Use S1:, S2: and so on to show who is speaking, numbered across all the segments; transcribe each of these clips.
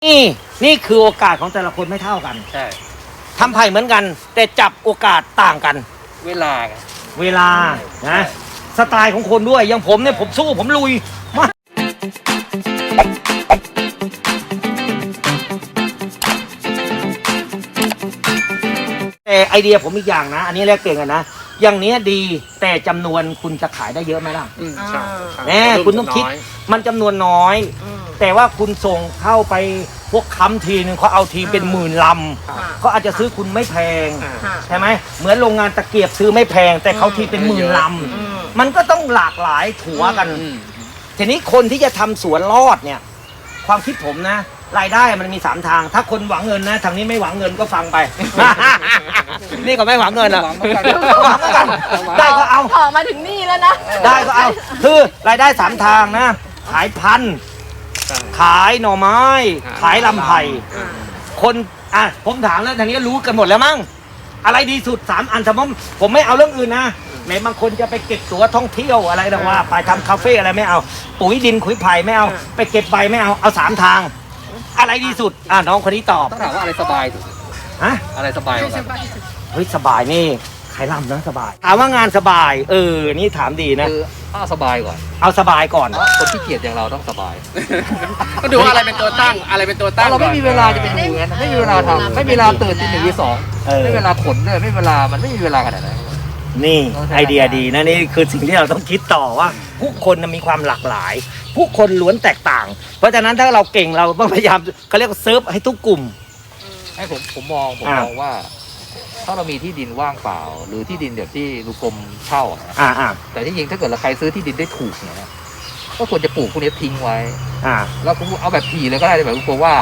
S1: นี่คือโอกาสของแต่ละคนไม่เท่ากัน
S2: ใช่
S1: ทำไผ่เหมือนกันแต่จับโอกาสต่างกัน
S2: เวลา
S1: นะสไตล์ของคนด้วยอย่างผมเนี่ยผมสู้ผมลุยมาแต่ไอเดียผมอีกอย่างนะอันนี้แลกเปลี่ยนกันนะอย่างนี้ดีแต่จำนวนคุณจะขายได้เยอะไหมล่ะ
S2: ใช่
S1: แน่คุณต้องคิดมันจำนวนน้อยแต่ว่าคุณส่งเข้าไปพวกค้ำทีนึงเขาเอาทีเป็นหมื่นลำเขาอาจจะซื้อคุณไม่แพงใช่ไหมเหมือนโรงงานตะเกียบซื้อไม่แพงแต่เขาทีเป็นหมื่นลำมันก็ต้องหลากหลายถัวกันทีนี้คนที่จะทำสวนรอดเนี่ยความคิดผมนะรายได้มันมี3ทางถ้าคนหวังเงินนะทางนี้ไม่หวังเงินก็ฟังไป นี่ก็ไม่หวังเงินอะหวังเหมือนกันได้ก็เอา
S3: ขอมาถึงนี่แล้วนะ
S1: ได้ก็เอาคือรายได้3ทางนะขายพันธุ์ขายหน่อไม้ขายลำไผ่คนผมถามแล้วทางนี้รู้กันหมดแล้วมั้งอะไรดีสุด3อันสมมติผมไม่เอาเรื่องอื่นนะแม้บางคนจะไปเก็บตั๋วท่องเที่ยวอะไรนะว่าไปทำคาเฟ่อะไรไม่เอาปุ๋ยดินขุยไผ่ไม่เอาไปเก็บใบไม่เอา3ทางอะไรดีสุดน้องคนนี้ตอบ
S2: ต้องถามว่าอะไรสบายสุดอะไรสบายกว่ากัน
S1: เฮ้ยสบายนี่ใครร่ำนะสบายถามว่างานสบายนี่ถามดีนะ
S2: คือเอาสบายก่อน
S1: เอาสบายก่อน
S2: คนที่เกียจอย่างเราต้องสบาย
S4: ก็ดูอะไรเป็นตัวตั้งอะไรเป็นตัวตั้ง
S2: เราไม่มีเวลาจะเป็นอย่างนั้นไม่มีเวลาทำไม่มีเวลาตื่นตี 1 ตี 2ไม่มีเวลาขนเลยไม่มีเวลามันไม่มีเวลาขนาดนั้น
S1: นี่ไอเดียดีนะนี่คือสิ่งที่เราต้องคิดต่อว่าผู้คนมีความหลากหลายผู้คนล้วนแตกต่างเพราะฉะนั้นถ้าเราเก่งเราต้องพยายามเขาเรียกว่าเซิร์ฟให้ทุกกลุ่ม
S2: ให้ผมมองว่าถ้าเรามีที่ดินว่างเปล่าหรือที่ดินแบบที่ลูกกรมเช่าแต่ที่จริงถ้าเกิดเราใครซื้อที่ดินได้ถูกเนี่ยก็ควรจะปลูกพวกนี้ทิ้งไว้แล้วคุณเอาแบบถี่เลยก็ได้แบบลูกกรมว่า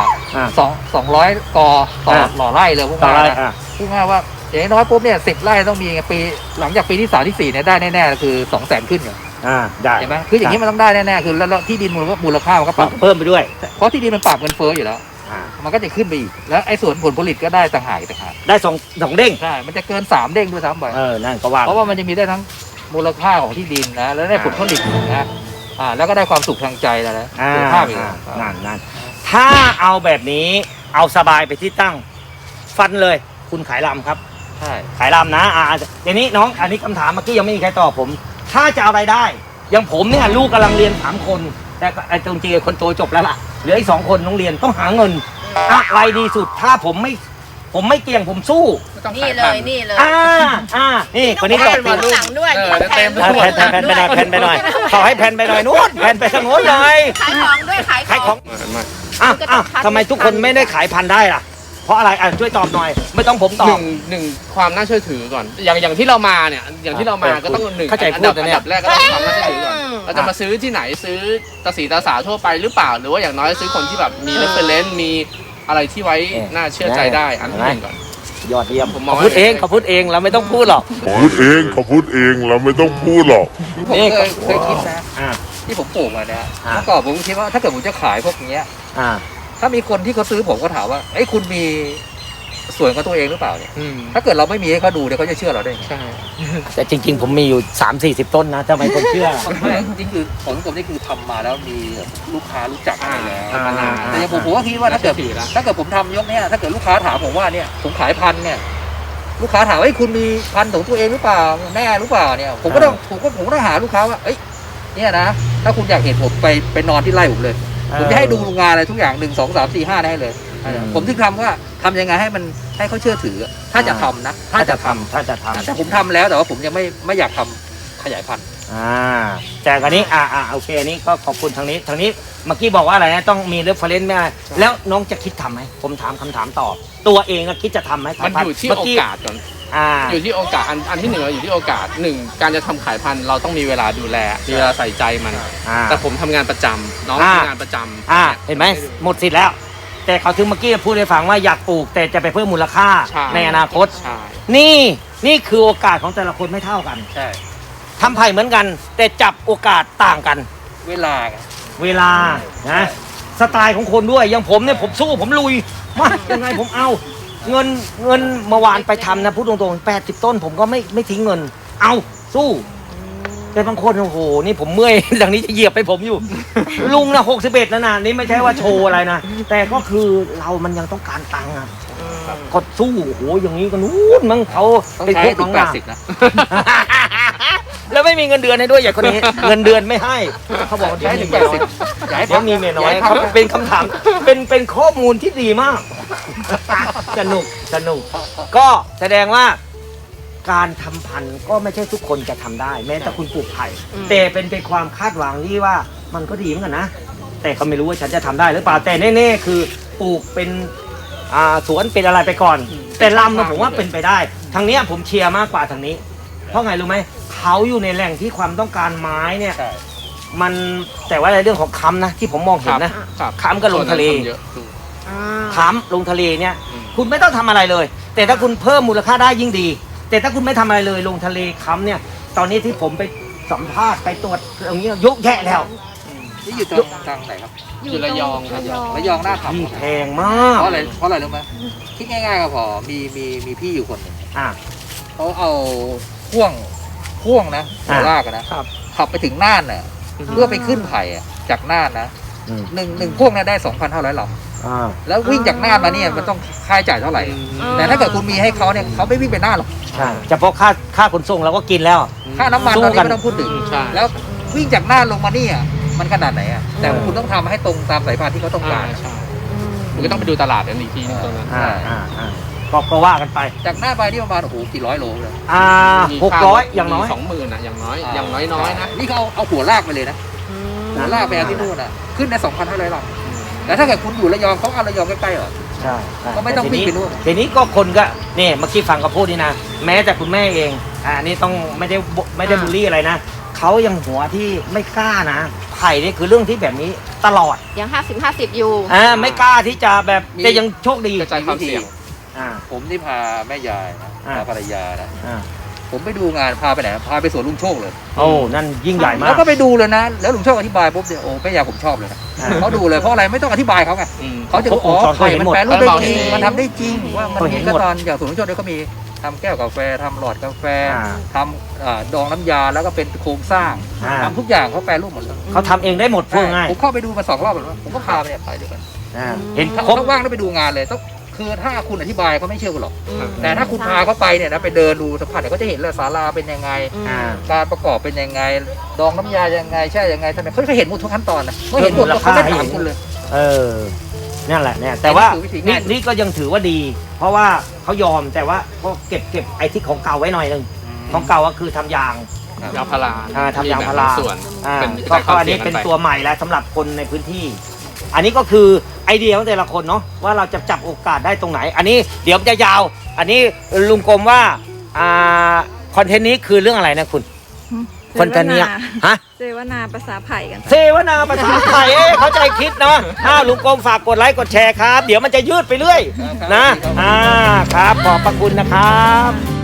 S2: 200 กอต่อหล่อไร่เลยพวกนี้พูดง่ายว่าอย่างน้อยปุ๊บเนี่ย10 ไร่ต้องมีปีหลังจากปีที่3 ที่ 4เนี่ยได้แน่ๆคือ200,000ขึ้น
S1: ได้
S2: ใช่ไหมคืออย่างนี้มันต้องได้แน่ๆคือแล้วที่ดินมูลค่ามันก็ปรับ
S1: เพิ่มไปด้วย
S2: เพราะที่ดินมันปรับเงินเฟ้ออยู่แล้วมันก็จะขึ้นไปอีกแล้วไอ้ส่วนผลผลิตก็ได้ต่างหาก
S1: ได้2เด้ง
S2: ใช่มันจะเกิน3 เด้งด้วยซ้ำไป
S1: นั่นก็ว่า
S2: เพราะว่ามันจะมีได้ทั้งมูลค่าของที่ดินนะแล้วได้ผลผลิตนะแล้วก็ได้ความสุขทางใจแล้วนะสุขภาพอีก
S1: นั่นถ้าเอาแบบนี้เอาสบายไปที่ตั้งฟันเลยคุณขายลำครับ
S2: ใช่
S1: ขายลำนะทีนี้น้องอันนี้คำถามเมื่อกี้ยังไม่มีใครตอบผมถ้าจะเอารายได้อย่างผมเนี่ยลูกกำลังเรียน3 คนแต่ไอ้จริงๆคนโตจบแล้วล่ะเหลืออีก2 คนต้องเรียนต้องหาเงินอะไรดีสุดถ้าผมไม่เกี่ยงผมสู้
S3: นี่เลย
S1: นี่คนนี้ตอบ
S3: เป็นหลังด้วย
S1: แผ่นไปหน่อยขอให้แผ่นไปหน่อยนู้นแผ่นไปทางโน้นหน่อย
S3: ขายของด้วยขายของ
S1: ทำไมทุกคนไม่ได้ขายพันได้ล่ะเพราะอะไรช่วยตอบหน่อยไม่ต้องผมตอบ
S4: หนึ่งความน่าเชื่อถือก่อนอย่างที่เรามาเนี่ยอย่างที่เรามาก็ต้อง1อันดับแรกก็ต้องความน่าเชื่อถือก่อนเราจะมาซื้อที่ไหนซื้อตาสีตาสาทั่วไปหรือเปล่าหรือว่าอย่างน้อยซื้อคนที่แบบมี reference มีอะไรที่ไว้น่าเชื่อใจได้อันที่1ก่อน
S1: ยอดเยี่ยมเขาพูดเองเราไม่ต้องพูดหรอก
S5: เขาพูดเองเราไม่ต้องพูดหรอก
S2: นี่เคยคิดนะที่ผมปลูกมาเนี่ยเมื่อก่อนผมคิดว่าถ้าเกิดผมจะขายพวกนี้ถ้ามีคนที่เขาซื้อผมก็ถามว่าไอ้คุณมีส่วนของตัวเองหรือเปล่าเนี่ยถ้าเกิดเราไม่มีให้เขาดูเดี๋ยวเขาจะเชื่อเราได้ใช่
S1: แต่จริงๆผมมีอยู่30-40 ต้นนะทำไมคนเชื่อ
S2: จริงคือผมนี่คือทำมาแล้วมีลูกค้ารู้จักอะไรแล้วมานานแต่ผมก็คิดว่าถ้าเกิดผมทำยกเนี้ยถ้าเกิดลูกค้าถามผมว่าเนี่ยผมขายพันเนี่ยลูกค้าถามว่าคุณมีพันของตัวเองหรือเปล่าแน่หรือเปล่าเนี่ยผมก็ต้องหาลูกค้าว่าเนี่ยนะถ้าคุณอยากเห็นผมไปนอนที่ไร่ผมเลยผมจะให้ดูงานอะไรทุกอย่าง1 2 3 4 5ได้เลยผมถึงทำว่าทำยังไงให้มันให้เขาเชื่อถือถ้าจะทำนะถ้าจะทำแต่ผมทำแล้วแต่ว่าผมยังไม่อยากทำขยายพันธุ์
S1: แต่คราวนี้โอเคอันนี้ก็ขอบคุณทางนี้เมื่อกี้บอกว่าอะไรนะต้องมีเรฟเฟรนซ์ไหมแล้วน้องจะคิดทำไหมผมถามคำถามต่อตัวเองคิดจะทำไหม
S4: มันอยู่ที่โอกาสก่อนอยู่ที่โอกาสอันที่1อยู่ที่โอกาส1การจะทำขายพันธุ์เราต้องมีเวลาดูแลมีเวลาใส่ใจมันแต่ผมทำงานประจำน้องทำงานประจำ
S1: เห็นไหมหมดสิทธิ์แล้วแต่เขาถึงเมื่อกี้พูดให้ฟังว่าอยากปลูกแต่จะไปเพิ่มมูลค่าในอนาคตนี่คือโอกาสของแต่ละคนไม่เท่ากัน
S2: ใช่
S1: ทำไผ่เหมือนกันแต่จับโอกาสต่างกัน
S2: เวลา
S1: นะสไตล์ของคนด้วยอย่างผมเนี่ยผมสู้ผมลุยมายังไงผมเอาเงินเมื่อวานไปทำนะพูดตรงๆ80 ต้นผมก็ไม่ทิ้งเงินเอาสู้แต่บางคนโอ้โหนี่ผมเมื่อย ดังนี้จะเหยียบไปผมอยู่ ลุงนะ61นะนี่ไม่ใช่ว่าโชว์อะไรนะแต่ก็คือเรามันยังต้องการตังค์อ่ะก็สู้โอ้โหอย่างนี้ก็นู้นมั้งเขา
S2: ต้อง
S1: เป็น
S2: ใช้
S1: พวก
S2: ถึ
S1: น้อง ง
S2: แป
S1: ห
S2: ด
S1: นา
S2: สิบนะ
S1: แล้วไม่มีเงินเดือนให้ด้วยอย่างคนนี้ เงินเดือนไม่ให้เขาบอกว่า
S2: ใช้ถึง
S1: เดี๋ยวมี
S2: อย่าให้
S1: เดี๋ยวมีเมียน้อย
S2: อย่าให้
S1: เขา
S2: พัก
S1: เป็นคำถามเป็นข้อมูลที่ดีมาก สนุกก็แสดงว่าการทำพันธุ์ก็ไม่ใช่ทุกคนจะทำได้ แม้แต่คุณปลูกไผ่แต่เป็นความคาดหวังที่ว่ามันก็ดีเหมือนกันนะ แต่ก็ไม่รู้ว่าฉันจะทำได้หรือเปล่าแต่แน่ๆคือปลูกเป็นสวนเป็นอะไรไปก่อน แต่ลำนะผมว่าเป็นไปได้ทางเนี้ยผมเชียร์มากกว่าทางนี้ เพราะไงรู้ไหมเขาอยู่ในแหล่งที่ความต้องการไม้เนี่ย
S2: ใช่
S1: มันแต่ว่าในเรื่องของค้ำนะที่ผมมองเห็นนะ
S4: ครับ
S1: ค้ำก็ลงทะเล
S4: เยอะถูก
S1: ค้ำลงทะเลเนี่ย
S4: อืม
S1: คุณไม่ต้องทำอะไรเลย แต่ถ้าคุณเพิ่มมูลค่าได้ยิ่งดี แต่ถ้าคุณไม่ทำอะไรเลยลงทะเลค้ำเนี่ย ตอนนี้ที่ผมไปสัมภาษณ์ไปตรวจตรงนี้ยกแยะแล้ว
S2: นี่อยู่ตรงทางไหนครับ
S4: อยู่ระยองครับ
S2: ระยองหน้า
S1: ที่
S2: ทำ
S1: แพงมาก
S2: เพราะอะไรรู้ไหมคิดง่ายๆก็พอมีพี่อยู่คนหนึ่ง
S1: อ่ะ
S2: เขาเอาพ่วงนะหัวลากอะนะขับไปถึงน่านน่ะเพื่อไปขึ้นไผ่อะจากน่านนะ
S1: อืม
S2: หนึ่งพ่วงเนี่ยได้ 2,500 ลำ
S1: อ่า
S2: แล้ววิ่งจากน่านมาเนี่ยมันต้องค่าใช้จ่ายเท่าไหร่ แต่ถ้าเกิดคุณมีให้เขาเนี่ยเขาไม่วิ่งไปน่านหรอก
S1: ใช่เฉพาะค่าขนส่งเราก็กินแล้ว
S2: ค่าน้ำมัน
S1: สู้
S2: ตอนนี้
S1: กัน
S2: ไม่ต้องพูดถึง
S4: ใช่
S2: แล้ววิ่งจากน่านลงมานี่อ่ะมันขนาดไหนอ่ะแต่คุณต้องทำให้ตรงตามสายพานที่เขาต้องการ
S4: ใช่มันก็ต้องไปดูตลาดกันอีกทีนึงตรงนั้น
S1: ก็ว่ากันไป
S2: จากน่านไปนี่ประมาณโอ้โหกี่ร้อยโลเลย
S4: มี
S1: 600อย่างน้อย
S4: 20,000นะอย่างน้อยนะ
S2: นี่เขาเอาหัวลากไปเลยนะหัวลากไปเอาที่นู่นอ่ะขึ้นได้ 2,500 ลำแต่ถ้าเกิดคุณอยู่ระยองเขาเอาระยองใกล้ๆเหรอ
S1: ใช่
S2: ก็ไม่ต้องวิ่งไปนู่น
S1: ทีนี้ก็คนก็เนี่ยเมื่อกี้ฟังเขาพูดนี่นะแม้แต่คุณแม่เองอันนี้ต้องไม่ได้บูลลี่อะไรนะเขายังหัวที่ไม่กล้านะไผ่นี่คือเรื่องที่แบบนี้ตลอด
S3: ยัง50-50 อยู่
S1: ไม่กล้าที่จะแบบแต่ยังโชคดี
S4: กระจายความเสี่ยง
S1: อ่า
S2: ผมนี่พาแม่ยายนะ
S1: อ่า
S2: พาภรรยานะ
S1: อ่า
S2: ผมไปดูงานพาไปไหนพาไปสวนลุงโชคเลย
S1: โอ้นั่นยิ่งใหญ่มา
S2: แล้ว
S1: ก
S2: ก็ไปดูเลยนะ แล้วลุงโชคอธิบายปุ๊บเนี่ยโอ้แม่ยายผมชอบเลยนะ
S1: อ่า
S2: เขาดูเลยเพราะอะไรไม่ต้องอธิบายเขาไง เขาจะบอกอ๋อ
S1: เขา
S2: ไข่
S1: เห็น
S2: มัน
S1: หมด
S2: แปรรูปได้จริง
S4: เขาเห็น
S2: มันทำได้จริงว่ามัน
S1: เขาเห็
S2: มี
S1: นหมด
S2: ขั้นตอนอย่างสวนลุงโชคเนี่ยก็มีทำแก้วกาแฟทำหลอดกาแฟ
S1: อ่า
S2: ทำดองน้ำยาแล้วก็เป็นโครงสร้าง
S1: อ่า
S2: ทำทุกอย่างเขาแปรรูปหมดเลย
S1: เขาทำเองได้หมดพูดง่าย
S2: ผมเข้าไปดูมา2 รอบแล้วผมก็พาไปเนี่ยไปเดียวกัน
S1: เห็น
S2: ถ้า
S1: ครบ
S2: ว่างแล้วไปดูงานเลยต้องคือถ้าคุณอธิบายเขาไม่เชื่อคุณหรอก
S3: อืม
S2: แต่ถ้าคุณพาเขาไปเนี่ยนะไปเดินดูสัมผัสเนี่ยเขาจะเห็นเลยศาลาเป็นยังไง
S1: อ่า
S2: การประกอบเป็นยังไง ดองน้ำยายังไงแช่ยังไงทำไมเขาจะเห็นหมดทุกขั้นตอนนะเขาเห็นหมดแล้วเขาไม่ถามคุณเลย
S1: เออนั่นแหละเนี่ยแต่ว่า
S2: อันนี้คือวิธีง่าย
S1: นี่ก็ยังถือว่าดี เพราะว่าเขายอมแต่ว่าก็เก็บไอ้ที่ของเก่าไว้หน่อยหนึงของเก่าก็คือทำยาง
S4: ยางพารา
S1: ทำยางพารา
S4: ส่วน
S1: อ่า
S4: เป็น
S1: ก็อันนี้เป็นตัวใหม่แล้วสำหรับคนในพื้นที่ อันนี้ก็คือไอเดียของแต่ละคนเนาะว่าเราจะจับโอกาสได้ตรงไหน อันนี้เดี๋ยวมันจะยาว อันนี้ลุงกรมว่าคอนเทนต์นี้คือเรื่องอะไรนะคุณคอนเทนต์เนี้ยฮะ
S6: เสวนาภาษาไผ่กัน
S1: เสวนาภาษาไทยเข้าใจคิดเนาะลุงกรมฝากกดไลค์กดแชร์ครับ เดี๋ยวมันจะยืดไปเรื่อยนะครับขอบพระคุณนะครับ